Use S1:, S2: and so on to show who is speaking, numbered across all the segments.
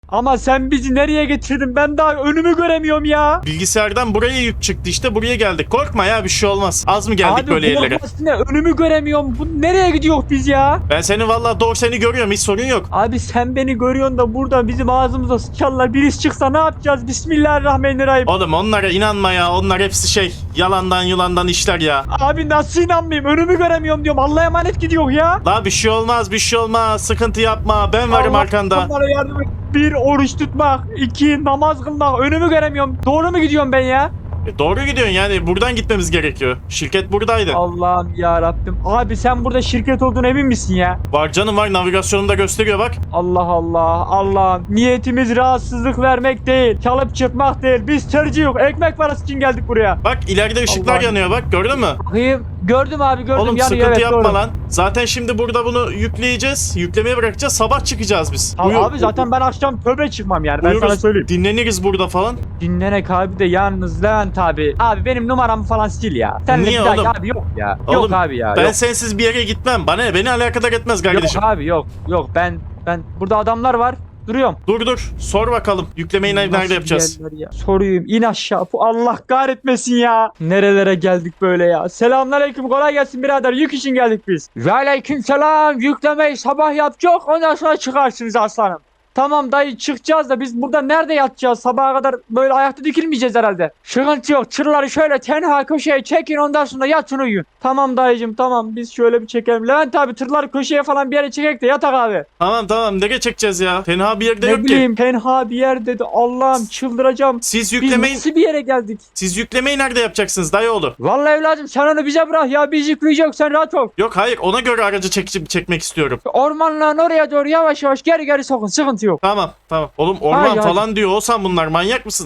S1: Ama sen bizi nereye getirdin? Ben daha önümü göremiyorum ya.
S2: Bilgisayardan buraya yük çıktı işte, buraya geldik. Korkma ya, bir şey olmaz. Az mı geldik
S1: Abi
S2: böyle yerlere?
S1: korkmasın ne? Önümü göremiyorum. Bu nereye gidiyor biz ya?
S2: Ben seni vallahi doğru seni görüyorum, hiç sorun yok.
S1: Abi sen beni görüyorsun da burada bizim ağzımıza sıçarlar. Birisi çıksa ne yapacağız? Bismillahirrahmanirrahim.
S2: Oğlum onlara inanma ya, onlar hepsi yalandan yulandan işler ya.
S1: Abi nasıl inanmayayım? Önümü göremiyorum diyorum. Allah'a emanet gidiyor ya.
S2: La bir şey olmaz, bir şey olmaz, sıkıntı yapma, ben varım
S1: Allah
S2: arkanda.
S1: bana yardım et. 1 oruç tutmak, 2 namaz kılmak. Önümü göremiyorum. Doğru mu gidiyorum ben ya?
S2: Doğru gidiyorsun, yani buradan gitmemiz gerekiyor. Şirket buradaydı.
S1: Allah'ım ya Rabbim. Abi sen burada şirket olduğunu emin misin ya?
S2: Var canım, var, navigasyonumda gösteriyor bak.
S1: Allah Allah. Allah'ım. Niyetimiz rahatsızlık vermek değil. Çalıp çırpmak değil. Biz tercih yok. Ekmek parası için geldik buraya.
S2: Bak ileride ışıklar
S1: Allah'ım.
S2: yanıyor, bak gördün mü?
S1: Bakayım. Gördüm abi gördüm.
S2: Oğlum
S1: Yanıyor,
S2: sıkıntı
S1: evet,
S2: yapma
S1: doğru.
S2: lan. Zaten şimdi burada bunu yükleyeceğiz. Yüklemeye bırakacağız. Sabah çıkacağız biz.
S1: Abi,
S2: Uyu-
S1: abi zaten ben akşam tövbe çıkmam yani. Ben
S2: uyuruz,
S1: sana söyleyeyim.
S2: dinleniriz burada falan.
S1: Dinlenek abi de yalnız Levent abi. Abi benim numaramı falan sil ya. Senle
S2: Niye
S1: bir daha-
S2: oğlum?
S1: Abi yok ya.
S2: Oğlum,
S1: yok abi ya.
S2: Ben
S1: yok.
S2: sensiz bir yere gitmem. Bana ne? Beni alakadar etmez kardeşim.
S1: Yok abi yok. Yok ben burada adamlar var. Duruyorum.
S2: Dur. Sor bakalım. Yüklemeyi nerede
S1: Nasıl
S2: yapacağız?
S1: bir yerler ya? Soruyum in aşağı. Bu Allah kahretmesin ya. Nerelere geldik böyle ya. Selamünaleyküm, kolay gelsin birader. Yük için geldik biz. Ve aleykümselam. Yüklemeyi sabah yapacak. Ondan sonra çıkarsınız aslanım. Tamam dayı çıkacağız da biz burada nerede yatacağız? Sabaha kadar böyle ayakta dikilmeyeceğiz herhalde. Sıkıntı yok. Tırları şöyle tenha köşeye çekin, ondan sonra yatın uyuyun. Tamam dayıcım tamam, biz şöyle bir çekelim. Levent abi tırları köşeye falan bir yere çekek de yatak abi.
S2: Tamam. Nereye çekeceğiz ya? Tenha bir yerde
S1: Ne
S2: yok ki.
S1: bileyim tenha bir yer dedi. Allah'ım çıldıracağım.
S2: Siz
S1: Biz
S2: yüklemeyi,
S1: nasıl bir yere geldik?
S2: siz yüklemeyi nerede yapacaksınız dayıoğlu?
S1: Vallahi evladım sen onu bize bırak ya, biz yükleyeceğiz, sen rahat ol.
S2: Yok hayır, ona göre aracı çekmek istiyorum.
S1: Ormanlığın oraya doğru yavaş yavaş geri sokun, sıkıntı yok.
S2: Tamam. Oğlum orman
S1: Haydi.
S2: falan diyor olsan, bunlar manyak mısın?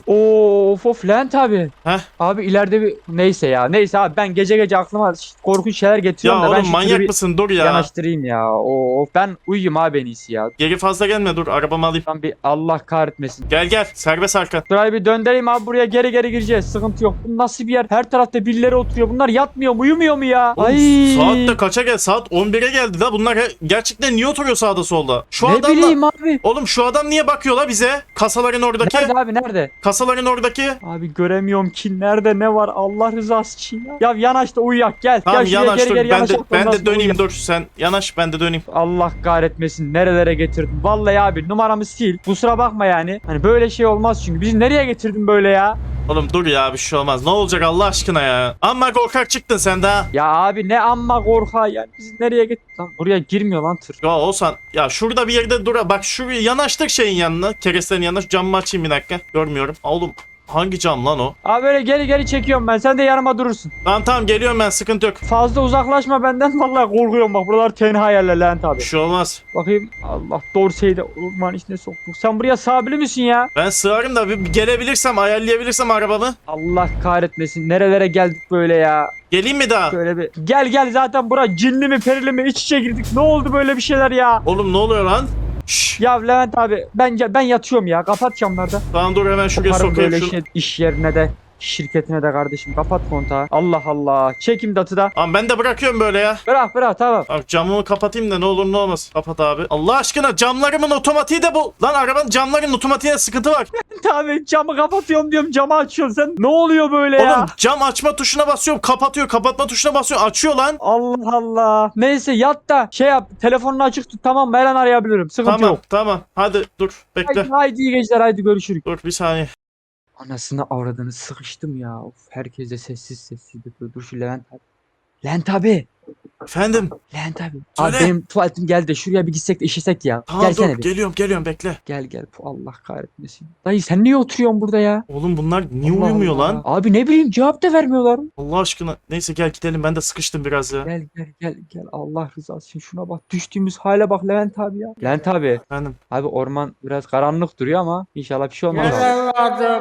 S1: Of Levent abi.
S2: Heh.
S1: Abi ileride bir neyse abi ben gece aklıma korkunç şeyler getiriyorum
S2: Ya
S1: da ben
S2: oğlum
S1: şu
S2: manyak
S1: tırı bir
S2: mısın? Dur ya.
S1: yanaştırayım ya. Of ben uyuyayım abi en iyisi ya.
S2: Geri fazla gelme, dur arabamı alayım.
S1: Ben bir Allah kahretmesin.
S2: Gel serbest arka.
S1: Burayı bir döndüreyim abi, buraya geri gireceğiz, sıkıntı yok. Bu nasıl bir yer? Her tarafta birileri oturuyor. Bunlar yatmıyor mu, uyumuyor mu ya?
S2: Oğlum,
S1: Ay.
S2: saat de kaça gel? Saat 11'e geldi da bunlar gerçekten niye oturuyor sağda solda? Şu
S1: Ne
S2: adamla...
S1: bileyim abi.
S2: Oğlum şu adam niye bakıyor la bize? Kasaların oradaki.
S1: Nerede abi nerede?
S2: Kasaların oradaki.
S1: Abi göremiyorum ki nerede ne var, Allah rızası için ya. Ya yanaş da uyuyak, gel.
S2: Tamam
S1: Gel şuraya
S2: yanaş dur.
S1: geri
S2: Ben
S1: yanaş.
S2: de,
S1: ondan
S2: ben de
S1: sonra
S2: döneyim,
S1: uyuyak.
S2: dur. Sen yanaş, ben de döneyim.
S1: Allah kahretmesin, nerelere getirdim. Vallahi abi numaramı sil. Kusura bakma yani. Hani böyle şey olmaz çünkü. Bizi nereye getirdin böyle ya?
S2: Oğlum dur ya, bir şey olmaz. Ne olacak Allah aşkına ya? Amma korkak çıktın sen de ha.
S1: Ya abi ne amma korka yani. Bizi nereye getirdin? Lan buraya girmiyor lan tır.
S2: Ya olsan ya, şurada bir yerde dur. Bak şuraya yanaştık, şeyin yanına. Kerestenin yanına. Şu camımı açayım bir dakika. Görmüyorum. Oğlum hangi cam lan o?
S1: Abi böyle geri çekiyorum ben. Sen de yanıma durursun.
S2: Tamam geliyorum ben, sıkıntı yok.
S1: Fazla uzaklaşma benden. Vallahi korkuyorum bak. Buralar tenha yerler Levent abi.
S2: Bir şey olmaz.
S1: Bakayım. Allah Dorsey'i de orman içine soktuk. Sen buraya sabili misin ya?
S2: Ben sığarım da bir gelebilirsem, ayarlayabilirsem arabamı.
S1: Allah kahretmesin. Nerelere geldik böyle ya?
S2: Geleyim mi daha?
S1: Şöyle bir gel zaten bura cinli mi perili mi iç içe girdik. Ne oldu böyle bir şeyler ya?
S2: Oğlum ne oluyor lan? Şşş.
S1: Ya Levent abi ben yatıyorum ya. Kapat camları.
S2: Tamam dur, hemen şuraya
S1: Yaparım
S2: sokayım
S1: böyle
S2: şunu.
S1: iş yerine de şirketine de kardeşim. Kapat kontağı. Allah Allah. Çekim datı da.
S2: Tamam ben de bırakıyorum böyle ya.
S1: Bırak tamam.
S2: Bak camımı kapatayım da ne olur ne olmaz. Kapat abi. Allah aşkına, camlarımın otomatiği de bu. Lan arabanın camlarının otomatiğinde sıkıntı var.
S1: Abi camı kapatıyorum diyorum, camı açıyorsun sen. Ne oluyor böyle ya?
S2: Oğlum cam açma tuşuna basıyorum, kapatıyor. Kapatma tuşuna basıyorum, açıyor lan.
S1: Allah Allah. Neyse yat da şey yap. Telefonunu açık tut, tamam mı? Her an arayabilirim. Sıkıntı yok.
S2: Tamam. Hadi dur bekle.
S1: Haydi iyi geceler, haydi görüşürüz.
S2: Dur bir saniye.
S1: Anasını avradını sıkıştım ya. Of, herkes de sessiz yapıyor. Dur şu Levent abi. Levent abi.
S2: Efendim.
S1: Levent abi.
S2: Söyle.
S1: Abi benim tuvaletim geldi de şuraya bir gitsek de işesek ya.
S2: Tamam
S1: Gelsene
S2: dur,
S1: bir.
S2: geliyorum bekle.
S1: Gel. Allah kahretmesin. Dayı sen niye oturuyorsun burada ya?
S2: Oğlum bunlar niye
S1: Allah
S2: uyumuyor
S1: Allah.
S2: lan?
S1: Abi ne bileyim, cevap da vermiyorlar.
S2: Allah aşkına. Neyse gel gidelim, ben de sıkıştım biraz ya.
S1: Gel. Allah rızası için şuna bak. Düştüğümüz hale bak Levent abi ya. Levent abi.
S2: Efendim.
S1: Abi orman biraz karanlık duruyor ama inşallah bir şey olmaz abi.
S3: Gel evladım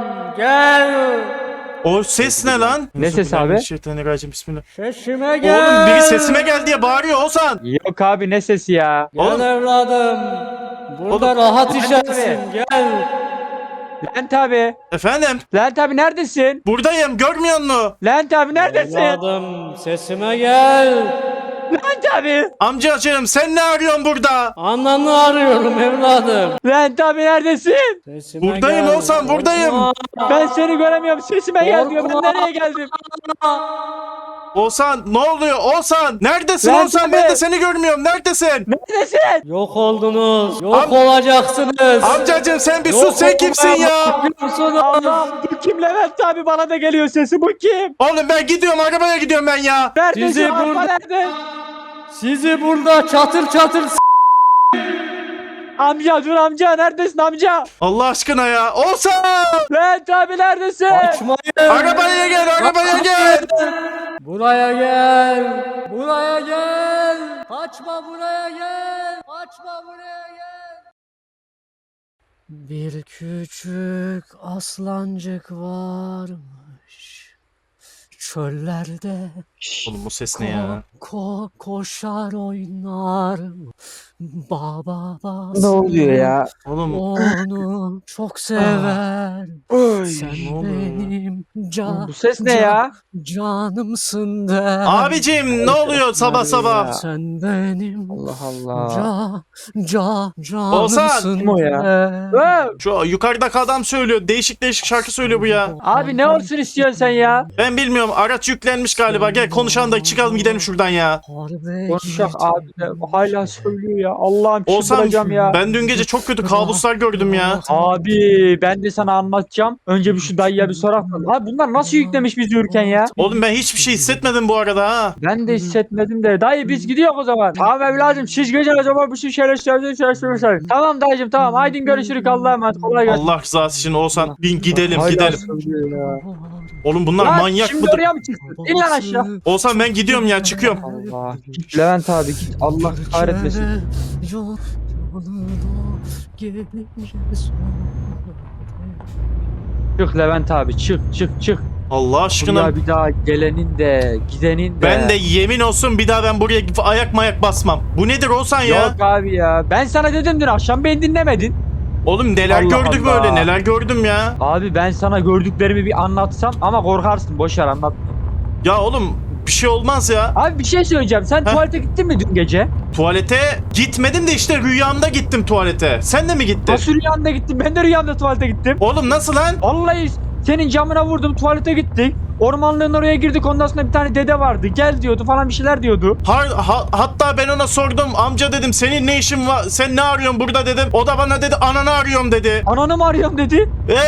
S3: gel.
S2: O ses ne lan?
S1: Ne ses abi?
S2: Şeytanirracim, bismillah.
S3: Sesime gel.
S2: Oğlum biri sesime gel diye bağırıyor Ozan.
S1: Yok abi ne sesi ya?
S3: Gel
S2: Oğlum.
S3: evladım. Burada
S2: Oğlum.
S3: rahat
S1: Levent
S3: içersin gel.
S1: Levent abi.
S2: Efendim.
S1: Levent abi neredesin?
S2: Buradayım, görmüyor musun?
S1: Levent abi neredesin?
S3: Evladım sesime gel.
S1: Levent abi.
S2: Amcacığım sen ne arıyorsun burada?
S3: Ananı arıyorum evladım.
S1: Levent abi neredesin?
S3: Sesime
S2: Buradayım
S3: gel.
S2: Oğuzhan, buradayım.
S3: Korkma.
S1: Ben seni göremiyorum. Sesime gel diyor. Ben
S3: Korkma.
S1: nereye geldim?
S2: Oğuzhan ne oluyor? Oğuzhan neredesin
S1: Levent
S2: Oğuzhan?
S1: abi.
S2: Ben de seni görmüyorum. Neredesin?
S1: Neredesin?
S3: Yok oldunuz. Yok olacaksınız.
S2: Amcacığım sen bir
S3: Yok
S2: sus, sen kimsin ya?
S3: olacaksınız.
S1: Allah, bu kim Levent abi? Bana da geliyor sesi. Bu kim?
S2: Oğlum ben gidiyorum, arabaya gidiyorum ben ya.
S1: Neredesin?
S3: Sizi
S1: Araba
S3: burada-
S1: nerede?
S3: Sizi burada çatır çatır
S1: Amca dur amca. Neredesin amca?
S2: Allah aşkına ya. Oğuzhan!
S1: Levent abi neredesin?
S3: açmayın.
S2: Arabaya gel, arabaya gel.
S3: Buraya gel. Buraya gel. Kaçma buraya gel. Kaçma buraya gel. Bir küçük aslancık varmış. Çöllerde
S2: Oğlum bu ses ne ya?
S3: koşar oynar. Baba
S1: Ne oluyor ya?
S2: Oğlum
S3: Onu çok sever. Sen
S2: ne oluyor ya?
S3: benim
S1: Bu ses ne ya?
S3: canımsın der.
S2: abicim ne oluyor sabah sabah?
S3: Sen benim
S1: Allah Allah.
S3: canımsın
S1: Kim o ya?
S3: der.
S2: Şu yukarıdaki adam söylüyor. Değişik değişik şarkı söylüyor bu ya.
S1: Abi ne olsun istiyorsun sen ya?
S2: Ben bilmiyorum. Araç yüklenmiş galiba. Gel konuşalım da çıkalım gidelim şuradan ya.
S3: Harbe
S1: Konuşacak
S3: git.
S1: abi de hala söylüyor ya. Allah'ım
S2: Oğuzhan
S1: çıldıracağım ya.
S2: ben dün gece çok kötü kabuslar gördüm ya.
S1: Abi ben de sana anlatacağım. Önce bir şu dayıya bir sorak. Abi bunlar nasıl yüklemiş bizi yürürken ya?
S2: Oğlum ben hiçbir şey hissetmedim bu arada ha.
S1: Ben de hissetmedim de. Dayı biz gidiyoruz o zaman. Tamam evladım siz gece o zaman bu şeyler çalıştırmışlar. Tamam dayıcım tamam. Haydi görüşürük Allah'a emanet. Kolay gelsin.
S2: Allah rızası için Oğuzhan bin gidelim
S1: Hala
S2: gidelim.
S1: söylüyor ya.
S2: Oğlum bunlar
S1: Lan
S2: manyak
S1: şimdi
S2: mıdır?
S1: oraya mı çıktın? İn lan aşağı.
S2: Oğuzhan ben gidiyorum ya, çıkıyorum.
S1: Allah. Git Levent abi git. Allah kahretmesin.
S3: Yol yolunu gelince
S1: Çık Levent abi çık çık çık.
S2: Allah aşkına.
S1: Buraya bir daha gelenin de gidenin de.
S2: Ben de yemin olsun bir daha ben buraya ayak mayak basmam. Bu nedir Oğuzhan ya?
S1: Yok abi ya. Ben sana dedim dün akşam beni dinlemedin.
S2: Oğlum neler
S1: Allah
S2: gördük
S1: Allah.
S2: böyle, neler gördüm ya.
S1: Abi ben sana gördüklerimi bir anlatsam ama korkarsın. Boş ver anlat.
S2: Ya oğlum bir şey olmaz ya.
S1: Abi bir şey söyleyeceğim. Sen
S2: Heh.
S1: tuvalete gittin mi dün gece?
S2: Tuvalete gitmedim de işte rüyamda gittim tuvalete. Sen de mi gittin?
S1: Nasıl rüyanda gittin? Ben de rüyamda tuvalete gittim.
S2: Oğlum nasıl lan?
S1: Vallahi senin camına vurdum tuvalete gittik. Ormanlığın oraya girdik ondan sonra bir tane dede vardı. Gel diyordu falan bir şeyler diyordu.
S2: Hatta ben ona sordum, amca dedim senin ne işin var, sen ne arıyorsun burada dedim. O da bana dedi ananı arıyorum dedi.
S1: Ananı mı arıyorum dedi.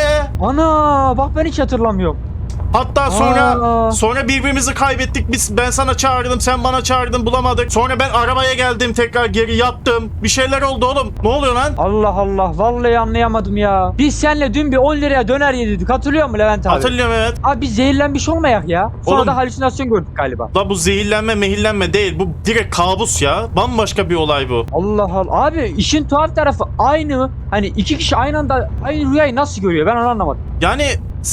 S1: Ana bak ben hiç hatırlamıyorum.
S2: Hatta sonra birbirimizi kaybettik biz. Ben sana çağırdım, sen bana çağırdın, bulamadık. Sonra ben arabaya geldim, tekrar geri yattım. Bir şeyler oldu oğlum. Ne oluyor lan?
S1: Allah Allah vallahi anlayamadım ya. Biz seninle dün bir 10 liraya döner yedik. Hatırlıyor musun Levent abi?
S2: Hatırlıyorum evet.
S1: Abi biz zehirlenmiş olmayak ya. Sonra
S2: Oğlum-
S1: da halüsinasyon gördük galiba.
S2: La bu zehirlenme mehillenme değil. Bu direkt kabus ya. Bambaşka bir olay bu.
S1: Allah Allah. Abi işin tuhaf tarafı aynı. Hani iki kişi aynı anda aynı rüyayı nasıl görüyor ben onu anlamadım.
S2: Yani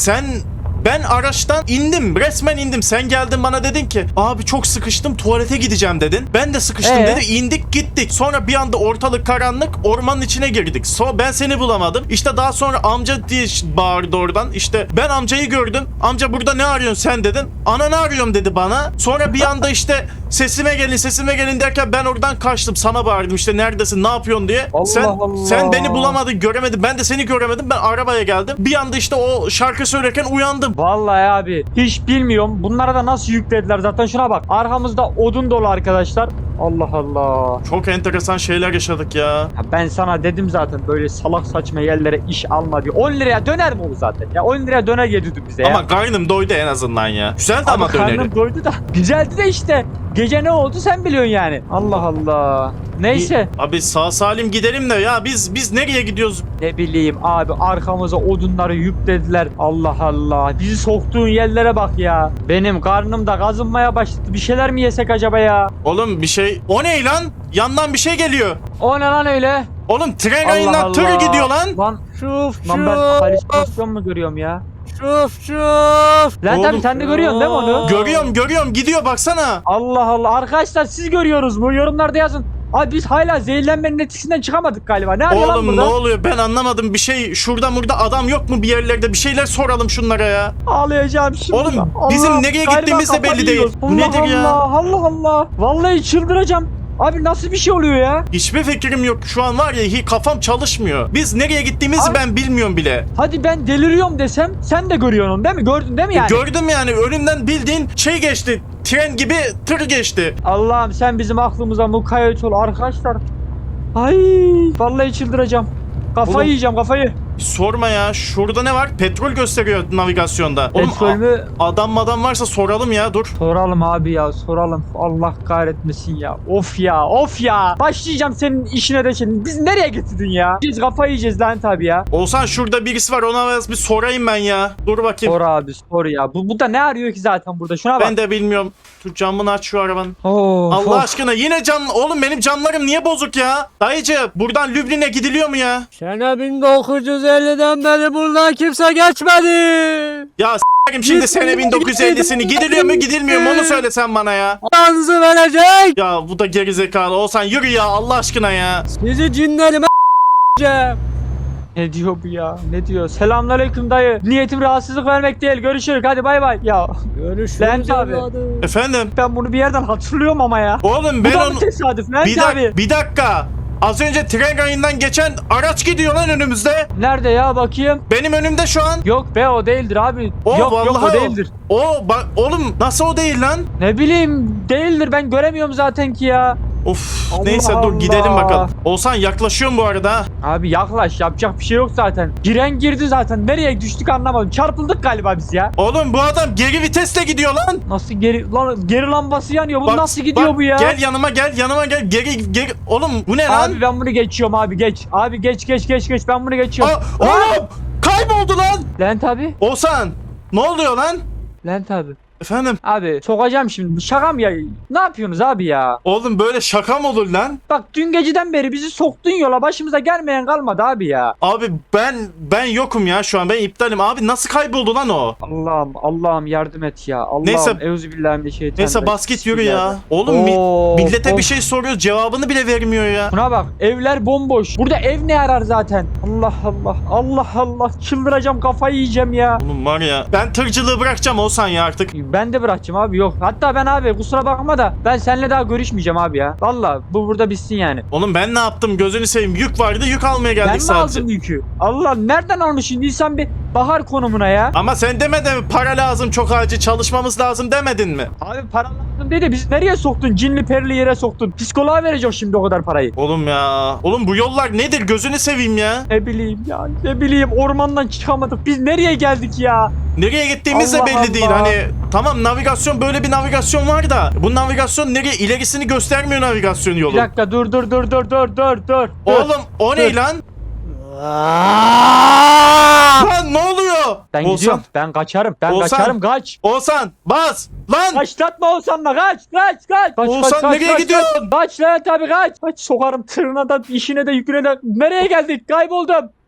S2: ben araçtan indim. Resmen indim. Sen geldin bana dedin ki abi çok sıkıştım tuvalete gideceğim dedin. Ben de sıkıştım dedi. İndik gittik. Sonra bir anda ortalık karanlık, ormanın içine girdik. Ben seni bulamadım. İşte daha sonra amca diye bağırdı oradan. İşte ben amcayı gördüm. Amca burada ne arıyorsun sen dedin. Ananı arıyorum dedi bana. Sonra bir anda işte sesime gelin derken ben oradan kaçtım. Sana bağırdım işte neredesin ne yapıyorsun diye.
S1: Allah Allah.
S2: Sen beni bulamadın, göremedin. Ben de seni göremedim. Ben arabaya geldim. Bir anda işte o şarkı söylerken uyandım.
S1: Vallahi abi hiç bilmiyorum. Bunlara da nasıl yüklediler zaten şuna bak. Arkamızda odun dolu arkadaşlar. Allah Allah.
S2: Çok enteresan şeyler yaşadık ya.
S1: Ya ben sana dedim zaten böyle salak saçma yerlere iş alma diye. 10 liraya döner mi olur zaten? Ya 10 liraya döner yedirdi bize ya.
S2: Ama karnım doydu en azından ya. Güzeldi ama
S1: Abi
S2: döneri.
S1: karnım doydu da. Güzeldi de işte. Gece ne oldu sen biliyorsun yani. Allah Allah. Neyse.
S2: Abi sağ salim gidelim de ya biz nereye gidiyoruz?
S1: Ne bileyim abi arkamıza odunları yüklediler. Allah Allah. Bizi soktuğun yerlere bak ya. Benim karnım da kazınmaya başladı. Bir şeyler mi yesek acaba ya?
S2: Oğlum bir şey. O ne lan? Yandan bir şey geliyor.
S1: O ne lan öyle?
S2: Oğlum tren
S1: Allah
S2: rayından tır
S1: Allah.
S2: gidiyor lan.
S1: Lan,
S3: Şuf
S1: lan ben halüsinasyon mu görüyorum ya?
S3: şuf.
S1: Lan
S2: Oğlum-
S1: tabii sen de görüyorsun değil mi onu?
S2: Görüyorum gidiyor baksana.
S1: Allah Allah. Arkadaşlar siz görüyorsunuz mu? Yorumlarda yazın. Abi biz hala zehirlenmenin etkisinden çıkamadık galiba. Ne arıyor lan
S2: Oğlum ne
S1: burada?
S2: oluyor ben anlamadım bir şey. Şurada burada adam yok mu bir yerlerde, bir şeyler soralım şunlara ya.
S1: Ağlayacağım şimdi.
S2: Oğlum, bizim nereye
S1: galiba
S2: gittiğimiz de belli
S1: kafayı
S2: değil.
S1: yiyoruz.
S2: Bu
S1: Allah
S2: nedir ya?
S1: Allah Allah. Vallahi çıldıracağım. Abi nasıl bir şey oluyor ya?
S2: Hiçbir fikrim yok şu an var ya, kafam çalışmıyor. Biz nereye gittiğimizi
S1: Abi-
S2: ben bilmiyorum bile.
S1: Hadi ben deliriyorum desem sen de görüyorsun onu değil mi? Gördün değil mi yani?
S2: Gördüm yani, önümden bildiğin şey geçti. Tren gibi tır geçti.
S1: Allah'ım sen bizim aklımıza mukayyet ol arkadaşlar. Ay vallahi çıldıracağım. Kafayı
S2: Oğlum.
S1: yiyeceğim kafayı.
S2: Sorma ya, şurada ne var? Petrol gösteriyor navigasyonda. Oğlum
S1: Petrol mü?
S2: adam varsa soralım ya, dur.
S1: Soralım abi ya soralım. Allah kahretmesin ya. Of ya of ya. Başlayacağım senin işine de şimdi. Biz nereye getirdin ya? Biz kafayı yiyeceğiz lan tabii ya.
S2: Olsan şurada birisi var, ona biraz bir sorayım ben ya. Dur bakayım.
S1: Sor abi sor ya. Bu da ne arıyor ki zaten burada? Şuna bak.
S2: Ben de bilmiyorum. Dur camını aç şu arabanın.
S1: Of,
S2: Allah
S1: of.
S2: aşkına yine cam... Oğlum benim camlarım niye bozuk ya? Dayıcı buradan Lübnan'e gidiliyor mu ya?
S3: Sene 1950'den beri buradan kimse geçmedi.
S2: Ya s**erim şimdi sene 1950'sini gidiliyor mu gidilmiyor mu onu söylesen bana ya.
S3: Anınızı verecek.
S2: Ya bu da gerizekalı. Olsan yürü ya Allah aşkına ya.
S3: Sizi cinlerime s**eceğim.
S1: Ne diyor bu ya? Ne diyor? Selamünaleyküm dayı. Niyetim rahatsızlık vermek değil. Görüşürüz. Hadi bay bay. Ya
S3: Görüşürüz
S1: Lens abi.
S3: evladım.
S2: Efendim?
S1: ben bunu bir yerden hatırlıyorum ama ya.
S2: Oğlum
S1: Bu
S2: ben
S1: da
S2: onu...
S1: mı tesadüf? Nerede abi?
S2: Bir dakika. Az önce tren rayından geçen araç gidiyor lan önümüzde.
S1: Nerede ya bakayım?
S2: Benim önümde şu an.
S1: Yok be o değildir abi.
S2: O
S1: yok
S2: vallahi
S1: o değildir.
S2: O bak oğlum nasıl o değil lan?
S1: Ne bileyim değildir ben göremiyorum zaten ki ya.
S2: Of
S1: Allah
S2: neyse dur
S1: Allah.
S2: gidelim bakalım. Olsan yaklaşıyorum bu arada ha.
S1: Abi yaklaş yapacak bir şey yok zaten. Giren girdi zaten. Nereye düştük anlamadım. Çarpıldık galiba biz ya.
S2: Oğlum bu adam geri vitesle gidiyor lan.
S1: Nasıl geri lambası yanıyor. Bu
S2: Bak,
S1: nasıl gidiyor
S2: bak,
S1: bu ya?
S2: Gel yanıma gel geri. Oğlum bu ne lan?
S1: Abi ben bunu geçiyorum abi geç. Abi geç ben bunu geçiyorum.
S2: Aa, oğlum kayboldu lan.
S1: Lent abi.
S2: Olsan ne oluyor lan?
S1: Lent abi.
S2: Efendim?
S1: Abi sokacağım şimdi. Bu şaka mı ya? Ne yapıyorsunuz abi ya?
S2: Oğlum böyle şaka mı olur lan?
S1: Bak dün geceden beri bizi soktun yola. Başımıza gelmeyen kalmadı abi ya.
S2: Abi ben yokum ya şu an, ben iptalim. Abi nasıl kayboldu lan o?
S1: Allah'ım yardım et ya. Allah'ım
S2: Neyse.
S1: Euzubillahimineşşeytanirracim.
S2: Neyse bas git yürü ya. Oğlum
S1: Of,
S2: millete bir
S1: of.
S2: şey soruyor, cevabını bile vermiyor ya.
S1: Buna bak evler bomboş. Burada ev ne arar zaten? Allah çıldıracağım kafayı yiyeceğim ya.
S2: Oğlum var ya, ben tırcılığı bırakacağım Olsan ya artık.
S1: Ben de bırakacağım abi yok. Hatta ben abi kusura bakma da ben seninle daha görüşmeyeceğim abi ya. Valla bu burada bitsin yani.
S2: Oğlum ben ne yaptım gözünü seveyim, yük vardı yük almaya
S1: Ben
S2: geldik
S1: mi
S2: sadece.
S1: aldım yükü? Allah nereden almışsın? İnsan bir bahar konumuna ya.
S2: Ama sen demedin mi para lazım, çok acil çalışmamız lazım demedin mi?
S1: Abi para lazım değil de bizi nereye soktun? Cinli perili yere soktun. Psikoloğa vereceğim şimdi o kadar parayı.
S2: Oğlum ya. Oğlum bu yollar nedir gözünü seveyim ya.
S1: Ne bileyim ya. Ne bileyim ormandan çıkamadık. Biz nereye geldik ya?
S2: Nereye gittiğimiz de
S1: Allah
S2: belli değil.
S1: Allah.
S2: Hani tamam navigasyon, böyle bir navigasyon var da bu navigasyon nereye, ilerisini göstermiyor navigasyon
S1: Bir
S2: yolu.
S1: dakika dur.
S2: Oğlum o ne lan? Lan ne oluyor?
S1: Ben
S2: Oğuzhan,
S1: gidiyorum. Ben kaçarım.
S2: Oğuzhan.
S1: Kaçarım kaç.
S2: Oğuzhan bas lan.
S1: Kaçlatma Oğuzhan'la kaç. Kaç,
S2: Oğuzhan nereye gidiyorsun?
S1: Kaç lan tabii kaç. Kaç sokarım tırına da işine de yüküne de. Nereye geldik? Kayboldum.